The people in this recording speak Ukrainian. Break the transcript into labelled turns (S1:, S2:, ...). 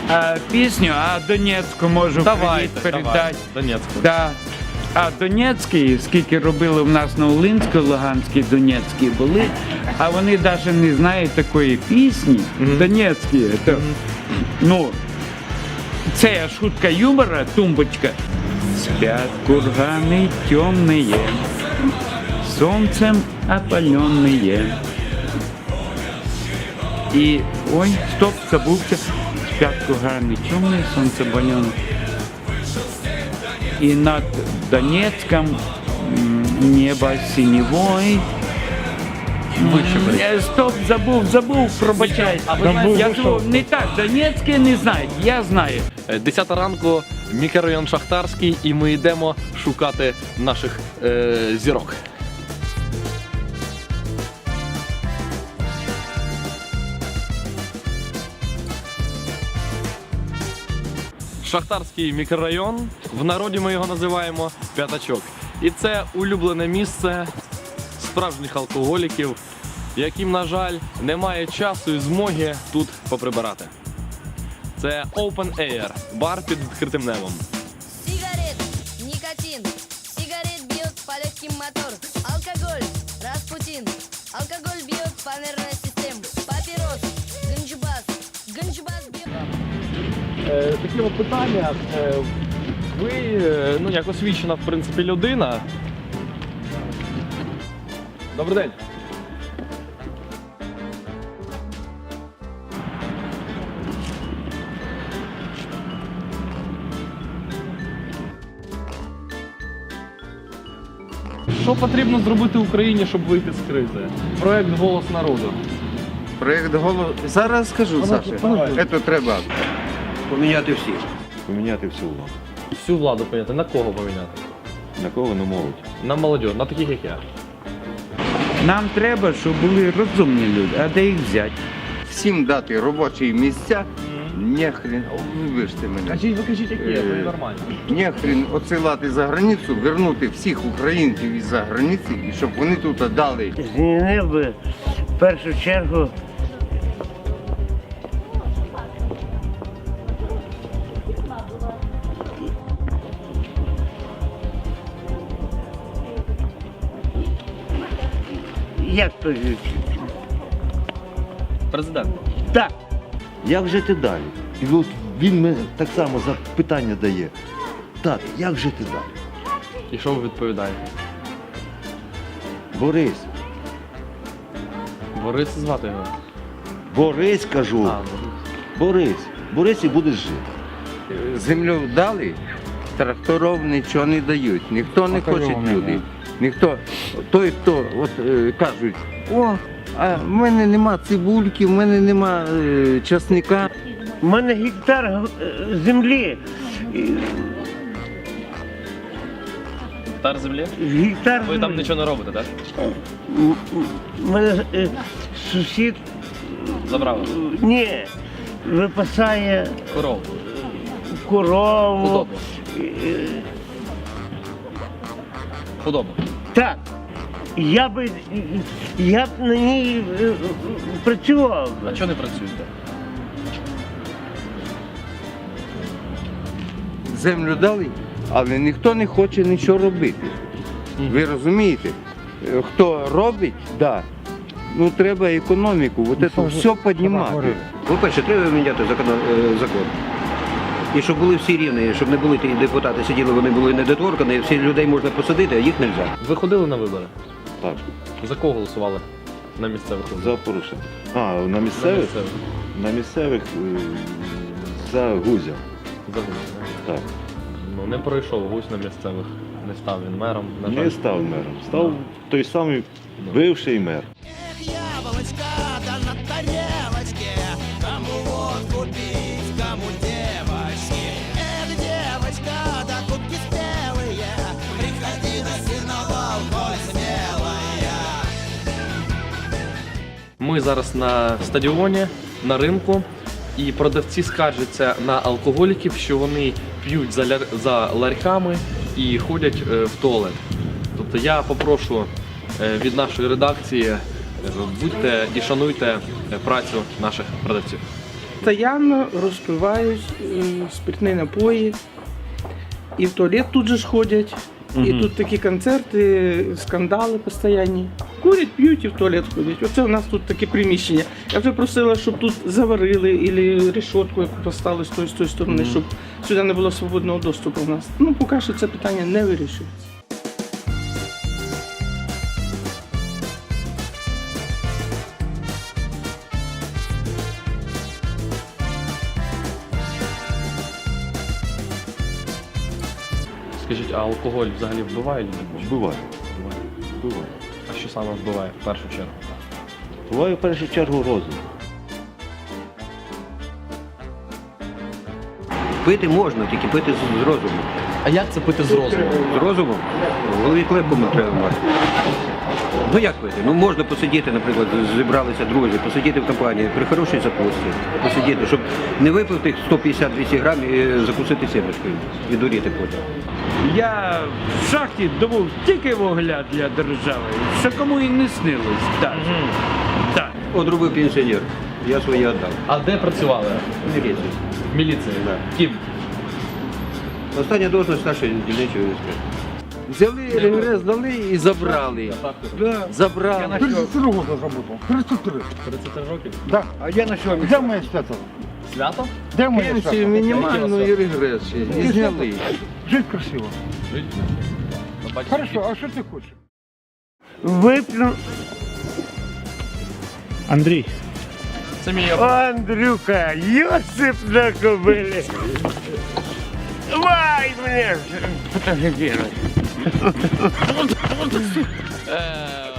S1: пісню, а Донецьку можу передати.
S2: Донецьку.
S1: Да. А Донецький, скільки робили в нас на Волинській, Луганській, Донецькій були, а вони навіть не знають такої пісні. Донецькі. Ну, це шутка юмора, тумбочка. Спят курганы темные, солнцем опаленные. И, ой, стоп, забылся. Спят курганы темные, солнце опаленные. И над Донецком небо синевой. Стоп, забув, пробачай. Я думав, не так, Донецьке не знають, я знаю.
S2: 10 ранку, мікрорайон Шахтарський, і ми йдемо шукати наших зірок. Шахтарський мікрорайон, в народі ми його називаємо П'ятачок. І це улюблене місце справжніх алкоголіків, яким, на жаль, немає часу і змоги тут поприбирати. Це Open Air, бар під відкритим небом.
S3: Сигарет, никотин, сигарет бьет по легким мотор, алкоголь, Распутин, алкоголь бьет по нервной системе, папирос, ганджубас бьет.
S2: Такі от питання. Ви, як освічена, в принципі, людина. Добрий день. Що потрібно зробити Україні, щоб вийти з кризи? Проект «Голос народу».
S4: Проєкт «Голос». Зараз скажу, Саша. Це треба поміняти всіх.
S5: Поміняти всю владу.
S2: Всю владу поміняти. На кого поміняти?
S5: На кого? На молодь.
S2: На молодь, на таких як я.
S1: Нам треба, щоб були розумні люди, а де їх взяти?
S4: Всім дати робочі місця. Нехрен, вибачте мене.
S2: Ви кажіть, як є, це нормально.
S4: Нехрен оцілати за границю, вернути всіх українців із-за границі, і щоб вони тут дали.
S6: Змінив би в першу чергу як то
S2: Президент.
S6: так.
S5: Як жити далі? І от він мені так само запитання дає. Так, як жити далі?
S2: І що ви відповідаєте?
S5: Борись.
S2: Борис звати його?
S5: Борись, кажу. Борись. Борись і будеш жити.
S4: Землю дали, тракторів нічого не дають. Ніхто не хоче люди. Ніхто, той, хто кажуть, а в мене нема цибульки, в мене нема часника.
S6: У мене гектар землі.
S2: Гектар землі?
S6: Гектар
S2: Ви там
S6: землі.
S2: нічого не робите, так?
S6: У мене сусід
S2: Забрали.
S6: ні, випасає
S2: Коров.
S6: корову.
S2: Худобу. Худобу.
S6: Так. Я б на ній працював.
S2: А чого не працюєте?
S4: Землю дали, але ніхто не хоче нічого робити. Ви розумієте? Хто робить, да. Ну треба економіку, от це все піднімати.
S7: По-перше, треба міняти закон. І щоб були всі рівні, щоб не були ті депутати сиділи, вони були недоторкані, всіх людей можна посадити, а їх не можна.
S2: Ви ходили на вибори?
S5: Так,
S2: За кого голосували на місцевих виборах?
S5: за порушення. На місцевих? На місцевих за Гузя.
S2: За Гузя.
S5: Так.
S2: Ну не пройшов Гусь на місцевих. Не став він мером. На жаль.
S5: Не став мером. Став той самий бивший мер.
S8: Яблочко, да на тарелочке, кому водку пить, кому девочки. Эх, девочка, да кубки спелые, приходи на сеновал, коль смелая.
S2: Ми зараз на стадіоні, на ринку, і продавці скаржаться на алкоголіків, що вони п'ють за ларьками і ходять в туалет. Тобто я попрошу від нашої редакції, будьте і шануйте працю наших продавців.
S9: Постоянно розпивають спиртні напої. І в туалет тут же ж ходять. І тут такі концерти, скандали постійні. Курять, п'ють і в туалет ходять. Оце у нас тут таке приміщення. Я вже просила, щоб тут заварили, або решетку поставили з тої сторони, щоб сюди не було свободного доступу у нас. Ну, поки що це питання не вирішується.
S2: Скажіть, а алкоголь взагалі вбиває людей?
S5: Вбиває. Вбиває.
S2: А що саме вбиває в першу чергу?
S5: Буває в першу чергу розум.
S7: Пити можна, тільки пити з розумом.
S2: А як це пити з розумом?
S7: З розумом? В голові клепку треба мати. Ну як пити? Ну можна посидіти, наприклад, зібралися друзі, посидіти в компанії, при хорошій закусці, посидіти, щоб не випив тих 150-200 грамів і закусити сімечкою, відуріти потім.
S1: Я в шахті добув тільки вугля для держави, що кому і не снилось. Так. Так.
S7: От робив пенсіонер, я свої віддав.
S2: А де працювали?
S7: Міліцію.
S2: В міліції? Ким?
S7: Остання должность старшої дільничої СП.
S4: Взяли регрес, дали і забрали. Забрали.
S10: 33 года работал. 33.
S2: 33 років?
S10: Да. А я на сегодня. Где мои свято?
S2: Свято?
S10: Где мои
S4: Пенсію мінімальну і регрес ще. І зняли.
S10: Жить красиво.
S2: Бачите,
S10: Хорошо, а что ты хочешь?
S6: Вип'ю.
S9: Андрій.
S2: це мій
S6: Андрюка, Йосип на кобилі. Давай мене фотографировать.